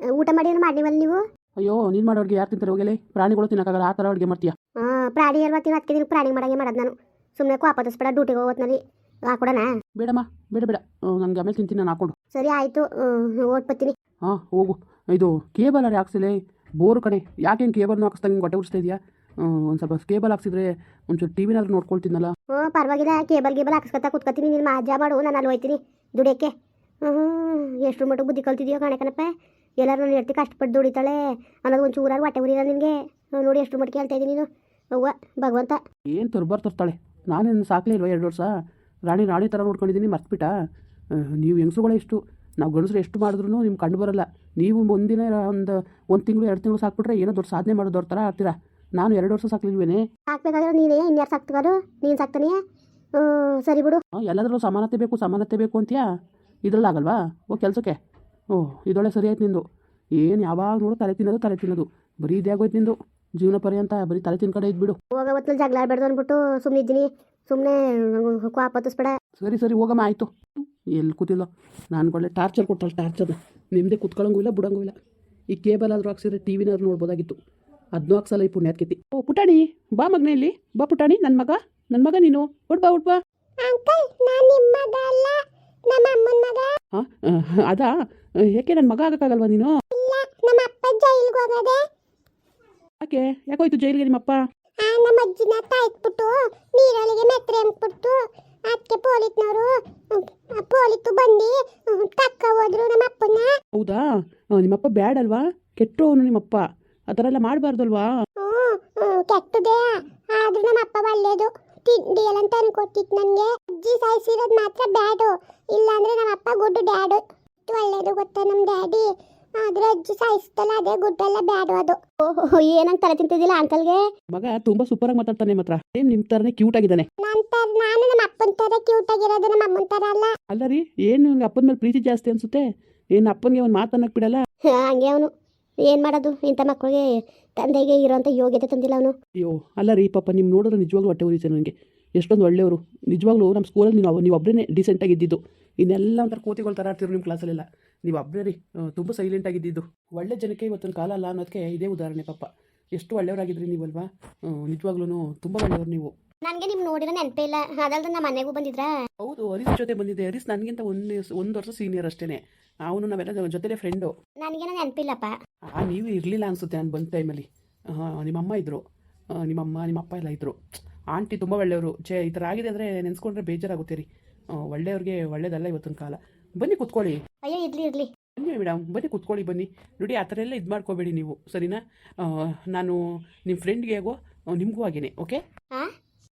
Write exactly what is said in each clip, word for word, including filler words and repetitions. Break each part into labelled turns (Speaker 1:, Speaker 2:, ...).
Speaker 1: ಊಟ ಮಾಡಿ ಮಾಡಿವಲ್ಲ ನೀವು.
Speaker 2: ಅಯ್ಯೋ ನೀನು ಮಾಡೋ ಅಡುಗೆ ಯಾರು ತಿಂತಾರೆ ಹೋಗಲೇ? ಪ್ರಾಣಿಗಳು ತಿನ್ನೋಕ್ಕಾಗಲ್ಲ, ಆ ಥರ ಅಡುಗೆ ಮಾಡ್ತೀಯಾ?
Speaker 1: ಹಾಂ ಪ್ರಾಣಿ ಅಲ್ವಾ ತಿನ್ನೋ, ಅದಕ್ಕೆ ನೀನು ಪ್ರಾಣಿ ಮಾಡಂಗೆ ಮಾಡೋದು ನಾನು. ಸುಮ್ಮನೆ ಕೋಪದಿಸ್ಬೇಡ, ಡ್ಯೂಟಿಗೆ ಹೋಗೋತ್ನಲ್ಲಿ ಹಾಕೊಡೋಣ.
Speaker 2: ಬೇಡಮ್ಮ ಬೇಡ ಬೇಡ, ನನಗೆ ಆಮೇಲೆ ತಿಂತೀನಿ ನಾನು ಹಾಕೊಂಡು.
Speaker 1: ಸರಿ ಆಯಿತು, ಓಟ್ ಬರ್ತೀನಿ.
Speaker 2: ಹಾಂ ಹೋಗು. ಇದು ಕೇಬಲ್ ಅರೆ ಹಾಕ್ಸಿಲೆ, ಬೋರು ಕಡೆ ಯಾಕೆ ಹಿಂಗೆ ಕೇಬಲ್ನ ಹಾಕಿಸ್ದಂಗೆ ಹೊಟ್ಟೆ ಉರಿಸ್ತಾ ಇದೆಯಾ? ಒಂದು ಸ್ವಲ್ಪ ಕೇಬಲ್ ಹಾಕ್ಸಿದ್ರೆ ಒಂಚೂರು ಟಿ ವಿನಾದ್ರೂ ನೋಡ್ಕೊಳ್ತೀನಲ್ಲ.
Speaker 1: ಹ್ಞೂ ಪರವಾಗಿಲ್ಲ, ಕೇಬಲ್ ಗೇಬಲ್ ಹಾಕ್ಸ್ಕೊತಾ ಕೂತ್ಕೊತೀನಿ. ನೀನು ಮಾಜಾ ಮಾಡು, ನಾನು ಅಲ್ಲಿ ಹೋಯ್ತೀನಿ ದುಡಿಯೋಕ್ಕೆ. ಹ್ಞೂ ಎಷ್ಟು ಮಟ್ಟಿಗೆ ಬುದ್ಧಿ ಕಲ್ತಿದ್ಯೋ ಕಾಣಕನಪ್ಪ. ಎಲ್ಲರೂ ನಾನು ಹೇಳ್ತಿ ಕಷ್ಟಪಟ್ಟು ದುಡಿತಾಳೆ ಅನ್ನೋದು ಒಂದು ಚೂರಾರು ಹೊಟ್ಟೆ ಉರಿಲ್ಲ ನಿನಗೆ. ನೋಡಿ ಎಷ್ಟು ಮಟ್ಟಿಗೆ ಹೇಳ್ತಾ ಇದ್ದೀನಿ ನೀನು. ಅವ್ವ ಭಗವಂತ
Speaker 2: ಏನು ತರ್ಬಾರ್ ತರ್ತಾಳೆ. ನಾನೇನು ಸಾಕಲೇ ಇಲ್ವ ಎರಡು ವರ್ಷ? ರಾಣಿ ರಾಣಿ ಥರ ನೋಡ್ಕೊಂಡಿದ್ದೀನಿ, ಮರ್ತ್ಬಿಟ್ಟ? ನೀವು ಹೆಂಗಸ್ರುಗಳೇ ಇಷ್ಟು, ನಾವು ಗಂಡಸರು ಎಷ್ಟು ಮಾಡಿದ್ರು ನಿಮ್ಗೆ ಕಂಡು ಬರೋಲ್ಲ. ನೀವು ಒಂದಿನ ಒಂದು ಒಂದು ತಿಂಗಳು ಎರಡು ತಿಂಗಳು ಸಾಕ್ಬಿಟ್ರೆ ಏನೋ ದೊಡ್ಡ ಸಾಧನೆ ಮಾಡೋದವ್ರ ಥರ ಆಡ್ತೀರಾ. ನಾನು ಎರಡು ವರ್ಷ ಸಾಕ್ಲಿಲ್ವೇನೆ?
Speaker 1: ಸಾಕ್ಬೇಕಾದ್ರೆ ನೀನೇ ಇನ್ಯಾರು ಸಾಕ್ತಗಾರು? ನೀನು ಸಾಕ್ತಾನೆ. ಸರಿ ಬಿಡು.
Speaker 2: ಎಲ್ಲಾದ್ರೂ ಸಮಾನತೆ ಬೇಕು ಸಮಾನತೆ ಬೇಕು ಅಂತೀಯಾ? ಇದ್ರಲ್ಲಿ ಆಗಲ್ವಾ? ಓ ಕೆಲಸಕ್ಕೆ. ಓಹ್ ಇದೊಳ್ಳೆ ಸರಿ ಆಯ್ತು ನಿಂದು. ಏನು ಯಾವಾಗ ನೋಡು ತಲೆ ತಿನ್ನೋದು ತಲೆ ತಿನ್ನೋದು ಬರೀ ಇದೇ ಆಗೋಯ್ತು ನಿಂದು ಜೀವನ ಪರ್ಯಂತ. ಬರೀ ತಲೆ ತಿನ್ ಕಡೆ ಇದ್ಬಿಡು.
Speaker 1: ಹೋಗ ಹೊತ್ತಲ್ಲಿ ಜಗಳ ಆಡ್ಬೇಡ್ದು ಅಂದ್ಬಿಟ್ಟು ಸುಮ್ಮನೆ ಇದ್ದೀನಿ. ಸುಮ್ಮನೆ ಕೋಪತ್ತಿಸ್ಬೇಡ.
Speaker 2: ಸರಿ ಸರಿ ಹೋಗಮ್ಮ ಆಯಿತು. ಎಲ್ಲಿ ಕೂತಿಲ್ಲ ನಾನು ಒಳ್ಳೆ ಟಾರ್ಚರ್ ಕೊಟ್ಟಲ್ಲ, ಟಾರ್ಚರ್ನ ನಿಮ್ಮದೇ ಕುತ್ಕೊಳ್ಳೋಂಗೂ ಇಲ್ಲ ಬಿಡೋಂಗೂ ಇಲ್ಲ. ಈ ಕೇಬಲ್ ಆದರೂ ಹಾಕ್ಸಿದ್ರೆ ಟಿ ವಿನಾದ್ರು ನೋಡ್ಬೋದಾಗಿತ್ತು. ಅದನ್ನೂ ಹಾಕ್ಸಲ್ಲ ಈ ಪುಣ್ಯಾತ್ಕತಿ. ಓ ಪುಟಾಣಿ ಬಾ ಮಗನೇ, ಇಲ್ಲಿ ಬಾ ಪುಟಾಣಿ. ನನ್ನ ಮಗ ನನ್ನ ಮಗ ನೀನು ಉಟ್ಬಾ ಉಟ್ಬಾ. ಹಾಂ ಅದಾ? ಯಾಕೆ ನನ್ನ ಮಗ ಆಗಕ್ಕಾಗಲ್ವಾ ನೀನು? ಯಾಕೆ ಯಾಕೋಯ್ತು ಜೈಲಿಗೆ ನಿಮ್ಮಪ್ಪ?
Speaker 1: ನಮ್ಮ ಅಜ್ಜಿನ ತಾಯ್ಬಿಟ್ಟು ನೀರೊಳಗೆ ಮೆತ್ರೆ ಅಂದ್ಬಿಟ್ಟು ಅದಕ್ಕೆ ಪೊಲೀಸ್ನವರು ಪೊಲೀಸು ಬಂದು ತಕ್ಕ ಹೋದ್ರು ನಮ್ಮ ಅಪ್ಪನ.
Speaker 2: ಹೌದಾ? ನಿಮ್ಮಪ್ಪ ಬ್ಯಾಡ್ ಅಲ್ವಾ? ಕೆಟ್ಟವನು ನಿಮ್ಮಪ್ಪ, ಆ ಥರ ಎಲ್ಲ ಮಾಡಬಾರ್ದಲ್ವಾ?
Speaker 1: ಹ್ಞೂ ಕೆಟ್ಟದೇ, ಆದ್ರೂ ನಮ್ಮ ಅಪ್ಪ ಒಳ್ಳೇದು. ತಿಂಡಿ ಎಲ್ಲ ತಂದು ಕೊಟ್ಟಿತ್ತು ನನಗೆ. ಅಜ್ಜಿ ಸಾಯಿಸಿರೋದು ಮಾತ್ರ ಬ್ಯಾಡು, ಇಲ್ಲಾಂದ್ರೆ ನಮ್ಮ ಅಪ್ಪ ಗುಡ್ಡು ಡ್ಯಾಡು. ಒಳ್ಳೇದು ಗೊತ್ತಾ ನಮ್ಮ ಡ್ಯಾಡಿ, ಆದ್ರೆ ಅಜ್ಜಿ ಸಾಯಿಸ್ತಲ್ಲ ಅದೇ ಗುಡ್ಡೆಲ್ಲ ಬ್ಯಾಡು ಅದು. ಓಹೋ ಏನಂತ ತಲೆ ತಿಂತಿದ್ದಿಲ್ಲ ಅಂಕಲ್ಗೆ?
Speaker 2: ಮಗ ತುಂಬಾ ಸೂಪರ್ ಆಗಿ ಮಾತಾಡ್ತಾನೆ, ಮಾತ್ರ ಸೇಮ್ ನಿಮ್ ತರನೇ ಕ್ಯೂಟ್ ಆಗಿದ್ದಾನೆ.
Speaker 1: ನಂತರ ನಾನು ನಮ್ಮ ಅಪ್ಪನ ತರ ಕ್ಯೂಟ್ ಆಗಿರೋದು, ನಮ್ಮ ಅಮ್ಮನ ತರ ಅಲ್ಲ.
Speaker 2: ಅಲ್ಲ ರೀ, ಏನು ಅಪ್ಪನ ಮೇಲೆ ಪ್ರೀತಿ ಜಾಸ್ತಿ ಅನ್ಸುತ್ತೆ. ಏನು ಅಪ್ಪನಿಗೆ ಒಂದು ಮಾತನ್ನಕ್ ಬಿಡಲ್ಲ?
Speaker 1: ಹಂಗೆ ಅವನು ಏನು ಮಾಡೋದು, ಇಂಥ ಮಕ್ಕಳಿಗೆ ತಂದೆಗೆ ಇರೋಂಥ ಯೋಗ್ಯತೆ ತಂದಿಲ್ಲ ಅವನು.
Speaker 2: ಅಯ್ಯೋ ಅಲ್ಲ ರೀ ಪಾಪ, ನಿಮ್ಮ ನೋಡಿದ್ರೆ ನಿಜವಾಗ್ಲೂ ಹೊಟ್ಟೆ ಉರಿಯುತ್ತೆ ನನಗೆ. ಎಷ್ಟೊಂದು ಒಳ್ಳೆಯವರು ನಿಜವಾಗ್ಲೂ. ನಮ್ಮ ಸ್ಕೂಲಲ್ಲಿ ನೀವು ನೀವು ಒಬ್ಬರೇ ಡಿಸೆಂಟಾಗಿ ಇದ್ದಿದ್ದು. ಇನ್ನೆಲ್ಲ ಒಂಥರ ಕೋತಿಗಳು ಥರ ಆಡ್ತಿದ್ರು ನಿಮ್ಮ ಕ್ಲಾಸಲ್ಲೆಲ್ಲ. ನೀವು ಒಬ್ಬರೇ ರೀ ತುಂಬ ಸೈಲೆಂಟಾಗಿದ್ದು. ಒಳ್ಳೆ ಜನಕ್ಕೆ ಇವತ್ತೊಂದು ಕಾಲ ಅಲ್ಲ ಅನ್ನೋದಕ್ಕೆ ಇದೇ ಉದಾಹರಣೆ. ಪಾಪ ಎಷ್ಟು ಒಳ್ಳೆಯವರಾಗಿದ್ರಿ ನೀವಲ್ವಾ? ನಿಜವಾಗ್ಲೂ ತುಂಬ ಒಳ್ಳೆಯವರು ನೀವು.
Speaker 1: ನನಗೆ ನಿಮ್ಮ ನೋಡಿರೋ ನೆನಪೇ ಇಲ್ಲ. ಅದಲ್ದ ನಮ್ಮ ಮನೆಗೂ ಬಂದಿದ್ರಾ?
Speaker 2: ಹೌದು, ಹರೀಶ್ ಜೊತೆ ಬಂದಿದ್ದೆ. ಹರೀಶ್ ನನಗಿಂತ ಒಂದು ಒಂದು ವರ್ಷ ಸೀನಿಯರ್ ಅಷ್ಟೇ. ಅವನು ನಾವೆಲ್ಲ ಜೊತೆಲೇ ಫ್ರೆಂಡು.
Speaker 1: ನನಗೇನೋ ನೆನಪಿಲ್ಲಪ್ಪ.
Speaker 2: ಹಾಂ ನೀವು ಇರಲಿಲ್ಲ ಅನಿಸುತ್ತೆ ನಾನು ಬಂದ ಟೈಮಲ್ಲಿ. ಹಾಂ ನಿಮ್ಮಮ್ಮ ಇದ್ದರು, ನಿಮ್ಮಮ್ಮ ನಿಮ್ಮಪ್ಪ ಎಲ್ಲ ಇದ್ದರು. ಆಂಟಿ ತುಂಬ ಒಳ್ಳೆಯವರು. ಛೇ ಈ ಥರ ಆಗಿದೆ ಅಂದರೆ ನೆನೆಸ್ಕೊಂಡ್ರೆ ಬೇಜಾರಾಗುತ್ತೆ ರೀ. ಒಳ್ಳೆಯವ್ರಿಗೆ ಒಳ್ಳೇದಲ್ಲ ಇವತ್ತೊಂದು ಕಾಲ. ಬನ್ನಿ ಕುತ್ಕೊಳ್ಳಿ.
Speaker 1: ಅಯ್ಯೋ ಇರಲಿ ಇರಲಿ
Speaker 2: ಬನ್ನಿ ಮೇಡಮ್, ಬನ್ನಿ ಕುತ್ಕೊಳ್ಳಿ ಬನ್ನಿ. ನೋಡಿ ಆ ಥರ ಎಲ್ಲ ಇದು ಮಾಡ್ಕೋಬೇಡಿ ನೀವು, ಸರಿನಾ? ನಾನು ನಿಮ್ಮ ಫ್ರೆಂಡ್ಗೆ ಹೇಗೋ ನಿಮಗೂ ಆಗೇನೆ, ಓಕೆ?
Speaker 1: ಹಾಂ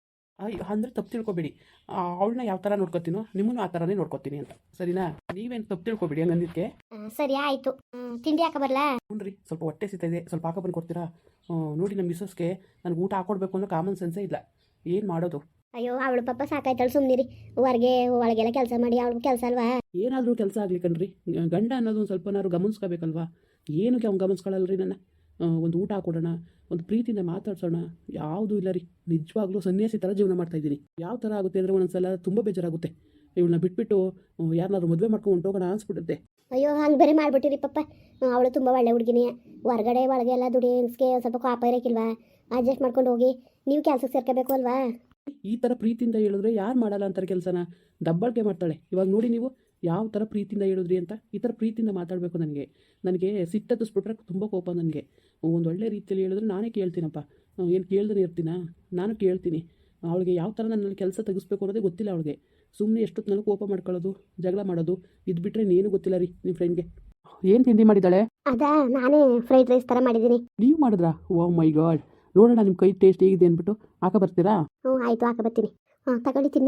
Speaker 2: ಅಂದರೆ ತಪ್ಪು ತಿಳ್ಕೊಬೇಡಿ. ಅವಳನ್ನ ಯಾವ ಥರ ನೋಡ್ಕೊತೀನೋ ನಿಮ್ಮನ್ನು ಆ ಥರನೇ ನೋಡ್ಕೊತೀನಿ ಅಂತ, ಸರಿನಾ? ನೀವೇನು ತಪ್ಪು ತಿಳ್ಕೊಬೇಡಿ ಹಂಗಂದಿದ್ದಕ್ಕೆ.
Speaker 1: ಸರಿ ಆಯಿತು. ತಿಂಡಿ ಹಾಕ ಬರಲಾ?
Speaker 2: ಹ್ಞೂ ರೀ, ಸ್ವಲ್ಪ ಹೊಟ್ಟೆ ಸಿಗ್ತಾ ಇದೆ, ಸ್ವಲ್ಪ ಹಾಕೋ ಬಂದು ಕೊಡ್ತೀರಾ? ನೋಡಿ ನಮ್ಮ ಮಿಸ್ಸಸ್ಗೆ ನನಗೆ ಊಟ ಹಾಕೊಡ್ಬೇಕು ಅನ್ನೋ ಕಾಮನ್ ಸೆನ್ಸೇ ಇಲ್ಲ. ಏನು ಮಾಡೋದು?
Speaker 1: ಅಯ್ಯೋ ಅವಳು ಪಾಪ ಸಾಕಾಯ್ತಾಳು, ಸುಮ್ಮನಿರಿ. ಹೊರಗೆ ಒಳಗೆಲ್ಲ ಕೆಲಸ ಮಾಡಿ ಅವಳು ಕೆಲಸ ಅಲ್ವಾ?
Speaker 2: ಏನಾದರೂ ಕೆಲಸ ಆಗಲಿ ಕಣ್ರಿ, ಗಂಡ ಅನ್ನೋದು ಒಂದು ಸ್ವಲ್ಪನಾದ್ರು ಗಮನಿಸ್ಕೋಬೇಕಲ್ವಾ? ಏನಕ್ಕೆ ಅವ್ನು ಗಮನಿಸ್ಕೊಳ್ಳಲ್ರಿ ನನ್ನ? ಒಂದು ಊಟ ಹಾಕೊಡೋಣ, ಒಂದು ಪ್ರೀತಿಯಿಂದ ಮಾತಾಡ್ಸೋಣ, ಯಾವುದೂ ಇಲ್ಲ ರೀ. ನಿಜವಾಗ್ಲೂ ಸನ್ಯಾಸಿ ಥರ ಜೀವನ ಮಾಡ್ತಾಯಿದ್ದೀನಿ. ಯಾವ ಥರ ಆಗುತ್ತೆ ಅಂದರೆ ಒಂದೊಂದ್ಸಲ ತುಂಬ ಬೇಜಾರಾಗುತ್ತೆ. ಇವಳನ್ನ ಬಿಟ್ಬಿಟ್ಟು ಯಾರನ್ನಾದ್ರು ಮದುವೆ ಮಾಡ್ಕೊಂಡು ಹೊಂಟೋಗೋಣ ಅನ್ಸ್ಬಿಡುತ್ತೆ.
Speaker 1: ಅಯ್ಯೋ ಹಂಗೆ ಬೇರೆ ಮಾಡಿಬಿಟ್ಟಿರಿ ಪಾಪ. ಅವಳು ತುಂಬ ಒಳ್ಳೆ ಹುಡುಗಿನಿ. ಹೊರಗಡೆ ಒಳಗೆ ಎಲ್ಲ ದುಡಿಯೋನ್ಸ್ಗೆ ಸ್ವಲ್ಪ ಕಾಪ ಇರೋಕ್ಕಿಲ್ವಾ? ಅಡ್ಜಸ್ಟ್ ಮಾಡ್ಕೊಂಡು ಹೋಗಿ ನೀವು ಕೆಲಸಕ್ಕೆ ಸೇರ್ಕೋಬೇಕು ಅಲ್ವಾ?
Speaker 2: ಈ ಥರ ಪ್ರೀತಿಯಿಂದ ಹೇಳಿದ್ರೆ ಯಾರು ಮಾಡಲ್ಲ ಅಂತಾರೆ ಕೆಲಸನ? ದಬ್ಬಾಳಿಕೆ ಮಾಡ್ತಾಳೆ. ಇವಾಗ ನೋಡಿ ನೀವು ಯಾವ ಥರ ಪ್ರೀತಿಯಿಂದ ಹೇಳಿದ್ರಿ ಅಂತ. ಈ ಥರ ಪ್ರೀತಿಯಿಂದ ಮಾತಾಡಬೇಕು. ನನಗೆ ನನಗೆ ಸಿಟ್ಟತ್ತಿಸ್ಬಿಟ್ರೆ ತುಂಬ ಕೋಪ ನನಗೆ. ಒಂದು ಒಳ್ಳೆ ರೀತಿಯಲ್ಲಿ ಹೇಳಿದ್ರೆ ನಾನೇ ಕೇಳ್ತೀನಪ್ಪ. ಏನು ಕೇಳ್ದೇ ಇರ್ತೀನಾ? ನಾನು ಕೇಳ್ತೀನಿ. ಅವಳಿಗೆ ಯಾವ ಥರ ನನ್ನಲ್ಲಿ ಕೆಲಸ ತೆಗಿಸ್ಬೇಕು ಅನ್ನೋದೇ ಗೊತ್ತಿಲ್ಲ ಅವಳಿಗೆ. ಸುಮ್ಮನೆ ಎಷ್ಟೊತ್ತು ನನಗೆ ಕೋಪ ಮಾಡ್ಕೊಳ್ಳೋದು, ಜಗಳ ಮಾಡೋದು, ಇದು ಬಿಟ್ಟರೆ ಇನ್ನೇನು ಗೊತ್ತಿಲ್ಲ ರೀ ನಿಮ್ಮ ಫ್ರೆಂಡ್ಗೆ. ಏನು ತಿಂಡಿ ಮಾಡಿದ್ದಾಳೆ?
Speaker 1: ಅದಾ ನಾನೇ ಫ್ರೈಡ್ ರೈಸ್ ಥರ ಮಾಡಿದ್ದೀನಿ.
Speaker 2: ನೀವು ಮಾಡಿದ್ರಾ? ಓ ಮೈ ಗಾಡ್, ನೋಡೋಣ ನಿಮ್ಮ ಕೈ ಟೇಸ್ಟ್ ಹೇಗಿದೆ ಅಂದ್ಬಿಟ್ಟು ಹಾಕ ಬರ್ತೀರಾ?
Speaker 1: ಹ್ಞೂ ಆಯಿತು, ಹಾಕ ಬರ್ತೀನಿ. ಹಾಂ ತಗೊಳ್ಳಿ ತಿನ್ನಿ.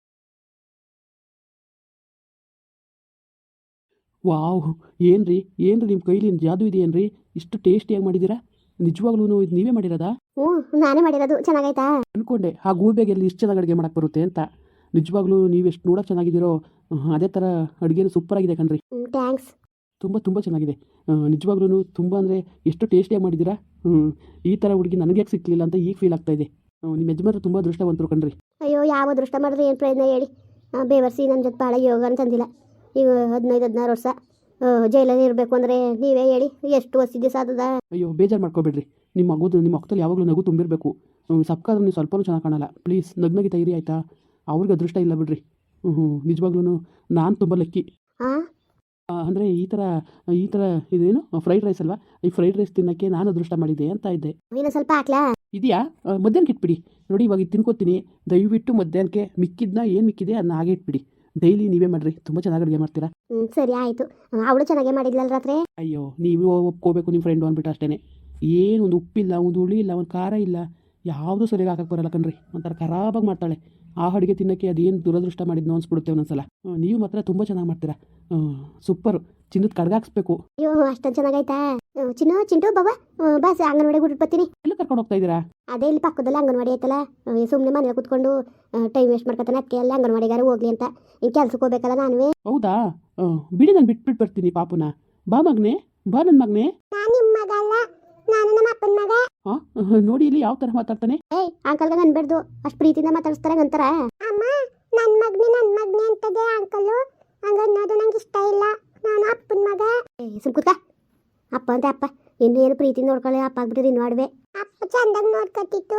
Speaker 2: ವಾವ್, ಏನು ರೀ ಏನು ರೀ ನಿಮ್ಮ ಕೈಲಿ ಜಾದು ಇದೆಯೇನು ರೀ? ಇಷ್ಟು ಟೇಸ್ಟಿಯಾಗಿ ಮಾಡಿದ್ದೀರಾ? ನಿಜವಾಗ್ಲೂ ಇದು ನೀವೇ ಮಾಡಿರೋದಾ?
Speaker 1: ಹ್ಞೂ ನಾನೇ ಮಾಡಿರೋದು. ಚೆನ್ನಾಗಾಯ್ತಾ?
Speaker 2: ಅಂದ್ಕೊಂಡೆ ಆ ಗೂಬೆಗೆಲ್ಲಿ ಇಷ್ಟು ಚೆನ್ನಾಗಿ ಅಡುಗೆ ಮಾಡೋಕ್ಕೆ ಬರುತ್ತೆ ಅಂತ. ನಿಜವಾಗ್ಲೂ ನೀವು ಎಷ್ಟು ನೋಡೋಕೆ ಚೆನ್ನಾಗಿದ್ದೀರೋ ಅದೇ ಥರ ಅಡುಗೆನೂ ಸೂಪರಾಗಿದೆ ಕಣ್ರಿ.
Speaker 1: ಥ್ಯಾಂಕ್ಸ್.
Speaker 2: ತುಂಬ ತುಂಬ ಚೆನ್ನಾಗಿದೆ ನಿಜವಾಗ್ಲೂ. ತುಂಬ ಅಂದರೆ ಎಷ್ಟು ಟೇಸ್ಟಿಯಾಗಿ ಮಾಡಿದ್ದೀರಾ. ಹ್ಞೂ ಈ ಥರ ಹುಡುಗಿ ನನಗೆ ಯಾಕೆ ಸಿಕ್ಕಲಿಲ್ಲ ಅಂತ ಈಗ ಫೀಲ್ ಆಗ್ತಾ ಇದೆ. ನಿಮ್ಮ ಯಜಮಾನರು ತುಂಬ ಅದೃಷ್ಟವಂತರು ಕಣ್ರಿ.
Speaker 1: ಅಯ್ಯೋ ಯಾವ ಅದೃಷ್ಟ ಮಾಡಿದ್ರೆ ಏನು ಪ್ರಯತ್ನ ಹೇಳಿ? ಬೇವರ್ಸಿ ನನ್ನ ಜೊತೆ ಭಾಳ ಯೋಗ ಅಂತಂದಿಲ್ಲ. ಈಗ ಹದಿನೈದು ಹದಿನಾರು ವರ್ಷ ಜೈಲಲ್ಲಿ ಇರಬೇಕು ಅಂದರೆ ನೀವೇ ಹೇಳಿ ಎಷ್ಟು ವರ್ಷ ದಿವಸ ಆದದ.
Speaker 2: ಅಯ್ಯೋ ಬೇಜಾರು ಮಾಡ್ಕೋಬೇಡ್ರಿ. ನಿಮ್ಮ ಮಗುದು ನಿಮ್ಮ ಮಕ್ಕದಲ್ಲಿ ಯಾವಾಗಲೂ ನಗು ತುಂಬಿರಬೇಕು. ಸಪ್ಕಾದ್ರೆ ನೀವು ಸ್ವಲ್ಪನೂ ಚೆನ್ನಾಗಿ ಕಾಣಲ್ಲ. ಪ್ಲೀಸ್ ನಗ್ನಗಿತ ಇರಿ ಆಯಿತಾ. ಅವ್ರಿಗೆ ಅದೃಷ್ಟ ಇಲ್ಲ ಬಿಡ್ರಿ. ಹ್ಞೂ ಹ್ಞೂ ನಿಜವಾಗ್ಲೂ ನಾನು ತುಂಬ ಲಕ್ಕಿ.
Speaker 1: ಹಾಂ
Speaker 2: ಅಂದರೆ ಈ ಥರ ಈ ಥರ ಇದೇನು ಫ್ರೈಡ್ ರೈಸ್ ಅಲ್ವಾ, ಈ ಫ್ರೈಡ್ ರೈಸ್ ತಿನ್ನೋಕ್ಕೆ ನಾನು ಅದೃಷ್ಟ ಮಾಡಿದ್ದೆ ಅಂತ ಇದ್ದೆ.
Speaker 1: ಇನ್ನೂ ಸ್ವಲ್ಪ ಹಾಕ್ಲಾ?
Speaker 2: ಇದೆಯಾ? ಮಧ್ಯಾಹ್ನಕ್ಕೆ ಇಟ್ಬಿಡಿ. ನೋಡಿ ಇವಾಗ ಇದು ತಿನ್ಕೋತೀನಿ. ದಯವಿಟ್ಟು ಮಧ್ಯಾಹ್ನಕ್ಕೆ ಮಿಕ್ಕಿದ್ನ ಏನು ಮಿಕ್ಕಿದೆ ಅದನ್ನ ಹಾಗೆ ಇಟ್ಬಿಡಿ. ಡೈಲಿ ನೀವೇ ಮಾಡಿರಿ, ತುಂಬ ಚೆನ್ನಾಗಿ ಅಡುಗೆ ಮಾಡ್ತೀರಾ.
Speaker 1: ಹ್ಞೂ ಸರಿ ಆಯಿತು. ಅವಳು ಚೆನ್ನಾಗೇ ಮಾಡಿದ್ಲಲ್ಲ ರಾತ್ರಿ.
Speaker 2: ಅಯ್ಯೋ ನೀವು ಒಪ್ಕೋಬೇಕು ನಿಮ್ಮ ಫ್ರೆಂಡು ಅಂದ್ಬಿಟ್ಟು ಅಷ್ಟೇ. ಏನು ಒಂದು ಉಪ್ಪಿಲ್ಲ, ಒಂದು ಹುಳಿ ಇಲ್ಲ, ಒಂದು ಖಾರ ಇಲ್ಲ, ಯಾವುದೂ ಸರಿಯಾಗಿ ಹಾಕಕ್ಕೆ ಬರಲ್ಲ ಕಣ್ರಿ. ಒಂಥರ ಖರಾಬಾಗಿ ಮಾಡ್ತಾಳೆ. ಆ ಅಡುಗೆ ತಿನ್ನೋಕ್ಕೆ ಅದೇನು ದುರದೃಷ್ಟ ಮಾಡಿದ್ನೋ ಅನ್ಸ್ಬಿಡುತ್ತೆ ಒಂದೊಂದ್ಸಲ. ನೀವು ಮಾತ್ರ ತುಂಬ ಚೆನ್ನಾಗಿ ಮಾಡ್ತೀರಾ. ಸೂಪರು. ಚಿನ್ನದ ಕಡ್ಗಾಕ್ಸ್ಬೇಕು.
Speaker 1: ಅಯ್ಯೋ ಅಷ್ಟೊಂದು ಚೆನ್ನಾಗೈತಾ? ಚಿನ್ನು ಚಿಂಟು ಬಾಬಾ ಬಸ್ ಅಂಗನವಾಡಿಗೆ ಬಿಟ್ಟು ಬರ್ತೀನಿ.
Speaker 2: ಎಲ್ಲ ಕರ್ಕೊಂಡು ಹೋಗ್ತಾ ಇದ್ದೀರಾ?
Speaker 1: ಅದೇ ಇಲ್ಲಿ ಪಕ್ಕದಲ್ಲಿ ಅಂಗನವಾಡಿ ಐತಲ್ಲ, ಸುಮ್ಮನೆ ಮನೇಲಿ ಕೂತ್ಕೊಂಡು ಟೈಮ್ ವೇಸ್ಟ್ ಮಾಡ್ಕೊತಾನೆ. ಅದಕ್ಕೆ ಅಲ್ಲಿ ಅಂಗನವಾಡಿಗಾರ ಹೋಗ್ಲಿ ಅಂತ. ಇನ್ನು ಕೆಲ್ಸಕ್ಕೆ ಹೋಗ್ಬೇಕಲ್ಲ ನಾನುವೇ.
Speaker 2: ಹೌದಾ? ಬಿಡಿ, ನಾನು ಬಿಟ್ಬಿಟ್ಟು ಬರ್ತೀನಿ ಪಾಪುನ. ಬಾ ಮಗನೇ, ಬಾ ನನ್ನ ಮಗನೇ.
Speaker 1: ನಾನು ನಿಮ್ಮ ಮಗ ಅಲ್ಲ, ನಾನು ನಮ್ಮ ಅಪ್ಪನ ಮಗ.
Speaker 2: ಹಾಂ ನೋಡಿ ಇಲ್ಲಿ ಯಾವ ಥರ ಮಾತಾಡ್ತಾನೆ.
Speaker 1: ಏಯ್ ಅಂಕಲ್ಗೆ ಅನ್ಬೇಡ್ದು, ಅಷ್ಟು ಪ್ರೀತಿಯಿಂದ ಮಾತಾಡಿಸ್ತಾರೆ ಅಂತಾರ. ಅಮ್ಮ ನನ್ನ ಮಗ್ನಿ ನನ್ನ ಮಗ್ನಿ ಅಂತದೆ ಅಂಕಲು. ಹಂಗನ್ನೋದು ನಂಗೆ ಇಷ್ಟ ಇಲ್ಲ. ನಾನು ಅಪ್ಪನ ಮಗ. ಏ ಸುಮ್ಕುತ್ಕ. ಅಪ್ಪ ಅಂತ ಅಪ್ಪ ಇನ್ನು ಏನು ಪ್ರೀತಿ ನೋಡ್ಕೊಳ್ಳಿ. ಅಪ್ಪ ಆಗ್ಬಿಟ್ಟಿರಿ ಇನ್ನು ಆಡ್ವೆ. ಅಪ್ಪ ಚಂದಾಗಿ ನೋಡ್ಕೊತಿತ್ತು.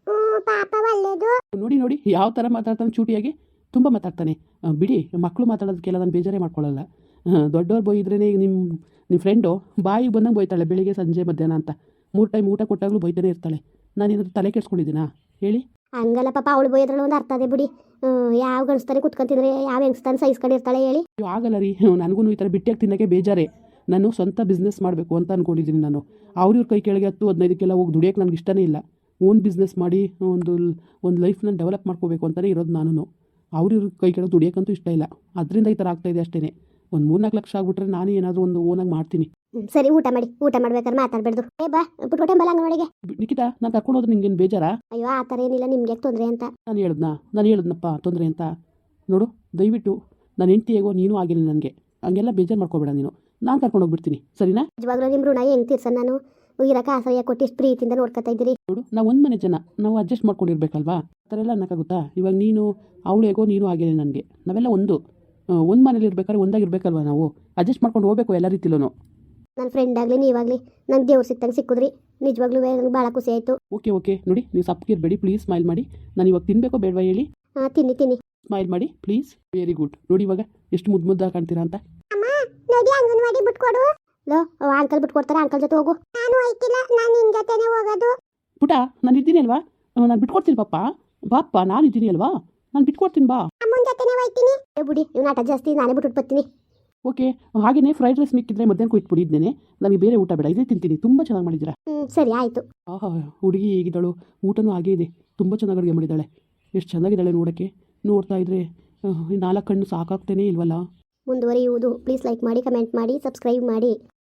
Speaker 1: ಪಾಪ ಒಳ್ಳೇದು.
Speaker 2: ನೋಡಿ ನೋಡಿ ಯಾವ ಥರ ಮಾತಾಡ್ತಾನೆ, ಚೂಟಿಯಾಗಿ ತುಂಬ ಮಾತಾಡ್ತಾನೆ. ಬಿಡಿ, ಮಕ್ಕಳು ಮಾತಾಡೋದಕ್ಕೆಲ್ಲ ನಾನು ಬೇಜಾರೇ ಮಾಡ್ಕೊಳ್ಳಲ್ಲ. ದೊಡ್ಡವ್ರು ಬೈದ್ರೇ ನಿಮ್ಮ ನಿಮ್ಮ ಫ್ರೆಂಡು ಬಾಯಿಗೆ ಬಂದಂಗೆ ಬೈತಾಳೆ ಬೆಳಿಗ್ಗೆ ಸಂಜೆ ಮಧ್ಯಾಹ್ನ ಅಂತ. ಮೂರು ಟೈಮ್ ಊಟ ಕೊಟ್ಟಾಗಲೂ ಬೈತಾನೆ ಇರ್ತಾಳೆ. ನಾನೇನಾದ್ರು ತಲೆ ಕೆಡ್ಸ್ಕೊಂಡಿದ್ದೀನಾ ಹೇಳಿ?
Speaker 1: ಹಂಗಲ್ಲ ಪಾಪ, ಅವಳು ಬೈದ್ರಲ್ಲಿ ಒಂದು ಅರ್ಥ ಅದೇ ಬಿಡಿ. ಯಾವ ಗಣಿಸ್ತಾನೆ ಕುತ್ಕೊಂತಿದ್ರೆ ಯಾವ ಹೆಂಗ್ಸ್ತಾನೆ ಸಹಿಸ್ಕೊಂಡಿರ್ತಾಳೆ ಹೇಳಿ.
Speaker 2: ಆಗಲ್ಲ ರೀ, ನನಗೂ ಈ ಥರ ಬಿಟ್ಟಿಯಾಗಿ ತಿನ್ನೋಕ್ಕೆ ಬೇಜಾರೇ. ನಾನು ಸ್ವಂತ ಬಿಸ್ನೆಸ್ ಮಾಡಬೇಕು ಅಂತ ಅಂದ್ಕೊಂಡಿದ್ದೀನಿ. ನಾನು ಅವ್ರಿವ್ರ ಕೈ ಕೆಳಗೆ ಹತ್ತು ಹದಿನೈದಕ್ಕೆಲ್ಲ ಹೋಗಿ ದುಡಿಯೋಕ್ಕೆ ನನಗೆ ಇಷ್ಟನೇ ಇಲ್ಲ. ಓನ್ ಬಿಸ್ನೆಸ್ ಮಾಡಿ ಒಂದು ಒಂದು ಲೈಫ್ನ ಡೆವಲಪ್ ಮಾಡ್ಕೋಬೇಕು ಅಂತಲೇ ಇರೋದು ನಾನು. ಅವ್ರಿವ್ರ ಕೈ ಕೆಳಗೆ ದುಡಿಯೋಕ್ಕಂತೂ ಇಷ್ಟ ಇಲ್ಲ. ಅದರಿಂದ ಈ ಥರ ಆಗ್ತಾಯಿದೆ ಅಷ್ಟೇ. ಒಂದು ಮೂರ್ನಾಲ್ಕು ಲಕ್ಷ ಆಗ್ಬಿಟ್ರೆ ನಾನು ಏನಾದರೂ ಒಂದು ಓನಾಗಿ ಮಾಡ್ತೀನಿ.
Speaker 1: ಸರಿ ಊಟ ಮಾಡಿ. ಊಟ ಮಾಡ್ಬೇಕಾದ್ರೆ ಮಾತಾಡ್ಬೇಡ್ದು. ಏ ಬಾ ಪುಟ್ಕೋಟೆ ಬಲ್ಲ ಅಂಗನವಾಡಿಗೆ.
Speaker 2: ನಿಖಿತಾ, ನಾನು ಕರ್ಕೊಂಡು ಹೋದ್ರೆ ನಿಂಗೇನು ಬೇಜಾರಾ?
Speaker 1: ಅಯ್ಯೋ ಆ ಥರ ಏನಿಲ್ಲ, ನಿಮ್ಗೆ ತೊಂದರೆ ಅಂತ
Speaker 2: ನಾನು ಹೇಳಿದ್ನಾ ನಾನು ಹೇಳಿದ್ನಪ್ಪ ತೊಂದರೆ ಅಂತ. ನೋಡು ದಯವಿಟ್ಟು ನನ್ನ ಹೆಂಡ್ತಿ ಹೇಗೋ ನೀನು ಆಗಿಲ್ಲ ನನಗೆ. ಹಂಗೆಲ್ಲ ಬೇಜಾರು ಮಾಡ್ಕೋಬೇಡ ನೀನು. ನಾನು ಕರ್ಕೊಂಡು ಹೋಗ್ಬಿಡ್ತೀನಿ, ಸರಿನಾ?
Speaker 1: ನಿಜವಾಗ್ಲೂ ನಿಮ್ಮ ಋಣ ಹೆಂಗೆ ತೀರ್ಸನ್ ನಾನು? ಇರೋಕೆ ಆಶ್ರಯ ಕೊಟ್ಟು ಇಷ್ಟು ಪ್ರೀತಿಯಿಂದ ನೋಡ್ಕೊತಾ ಇದ್ದೀರಿ.
Speaker 2: ನೋಡು, ನಾವು ಒಂದು ಮನೆ ಜನ, ನಾವು ಅಡ್ಜಸ್ಟ್ ಮಾಡ್ಕೊಂಡಿರ್ಬೇಕಲ್ವಾ? ಆ ಥರ ಎಲ್ಲ ಅನ್ನೋಕ್ಕಾಗುತ್ತಾ? ಇವಾಗ ನೀನು ಅವಳು ಹೇಗೋ ನೀನು ಆಗಿಲ್ಲ ನನಗೆ. ನಾವೆಲ್ಲ ಒಂದು ಒಂದು ಮನೇಲಿ ಇರ್ಬೇಕಾದ್ರೆ ಒಂದಾಗಿರ್ಬೇಕಲ್ವ? ನಾವು ಅಡ್ಜಸ್ಟ್ ಮಾಡ್ಕೊಂಡು ಹೋಗ್ಬೇಕು ಎಲ್ಲ ರೀತಿಲೂ.
Speaker 1: ನನ್ನ ಫ್ರೆಂಡ್ ಆಗಲಿ ನೀವಾಗಲಿ ನಂಗೆ ದೇವ್ರು ಸಿಕ್ತಂಗೆ ಸಿಕ್ಕಿದ್ರಿ. ನಿಜವಾಗ್ಲೂ ನನಗೆ ಭಾಳ ಖುಷಿ ಆಯಿತು.
Speaker 2: ಓಕೆ ಓಕೆ ನೋಡಿ, ನೀವು ಸಪ್ಪಗಿರ್ಬೇಡಿ ಪ್ಲೀಸ್. ಸ್ಮೈಲ್ ಮಾಡಿ. ನಾನು ಇವಾಗ ತಿನ್ನಬೇಕೋ ಬೇಡವಾ ಹೇಳಿ?
Speaker 1: ಹಾಂ ತಿನ್ನಿ ತಿನ್ನಿ.
Speaker 2: ಸ್ಮೈಲ್ ಮಾಡಿ ಪ್ಲೀಸ್. Very good. ನೋಡಿ ಇವಾಗ ಎಷ್ಟು ಮುದ್ದು ಮುದ್ದಾಗಿ ಕಾಣ್ತೀರಾ ಅಂತ.
Speaker 1: ಅಮ್ಮ ನೋಡಿ ಅಂಗನವಾಡಿ ಬಿಟ್ಕೊಡು. ಲೋ ಅಂಕಲ್ ಬಿಟ್ಕೊಡ್ತಾರೆ, ಅಂಕಲ್ ಜೊತೆ ಹೋಗು. ನಾನು ಹೋಯ್ತಿಲ್ಲ, ನಾನು ನಿನ್ನ ಜೊತೆನೇ ಹೋಗೋದು.
Speaker 2: ಪುಟ, ನಾನು ಇದ್ದೀನಿ ಅಲ್ವಾ? ನಾನು ಬಿಟ್ಕೊಡ್ತೀನಿ ಪಾಪ. ಬಾಪ್ಪ, ನಾನು ಇದ್ದೀನಿ ಅಲ್ವಾ? ನಾನು ಬಿಟ್ಕೊಡ್ತೀನಿ ಬಾ.
Speaker 1: ಅಮ್ಮನ ಜೊತೆನೇ ಹೋಯ್ತೀನಿ. ಏ ಬಿಡಿ, ಇವ್ನ ಆಟ ಜಾಸ್ತಿ, ನಾನೇ ಬಿಟ್ಬಿಟ್ಟು ಬರ್ತೀನಿ.
Speaker 2: ಓಕೆ, ಹಾಗೆಯೇ ಫ್ರೈಡ್ ರೈಸ್ ಮಿಕ್ಕಿದ್ರೆ ಮಧ್ಯಾಹ್ನ ಇಟ್ಬಿಡಿ. ಇದ್ದೇನೆ ನನಗೆ ಬೇರೆ ಊಟ ಬೇಡ, ಇದೇ ತಿಂತೀನಿ. ತುಂಬ ಚೆನ್ನಾಗಿ ಮಾಡಿದ್ದೀರಾ.
Speaker 1: ಹ್ಞೂ ಸರಿ ಆಯಿತು.
Speaker 2: ಆಹಾ, ಹುಡುಗಿ ಹೇಗಿದ್ದಾಳು? ಊಟನೂ ಹಾಗೇ ಇದೆ. ತುಂಬ ಚೆನ್ನಾಗಿ ಅಡುಗೆ ಮಾಡಿದ್ದಾಳೆ. ಎಷ್ಟು ಚೆನ್ನಾಗಿದ್ದಾಳೆ ನೋಡೋಕ್ಕೆ. ನೋಡ್ತಾ ಇದ್ರೆ ನಾಲ್ಕು ಕಣ್ಣು ಸಾಕಾಗ್ತೇನೆ ಇಲ್ವಲ್ಲ.
Speaker 1: ಮುಂದುವರಿಯುವುದು. ಪ್ಲೀಸ್ ಲೈಕ್ ಮಾಡಿ, ಕಮೆಂಟ್ ಮಾಡಿ, ಸಬ್ಸ್ಕ್ರೈಬ್ ಮಾಡಿ.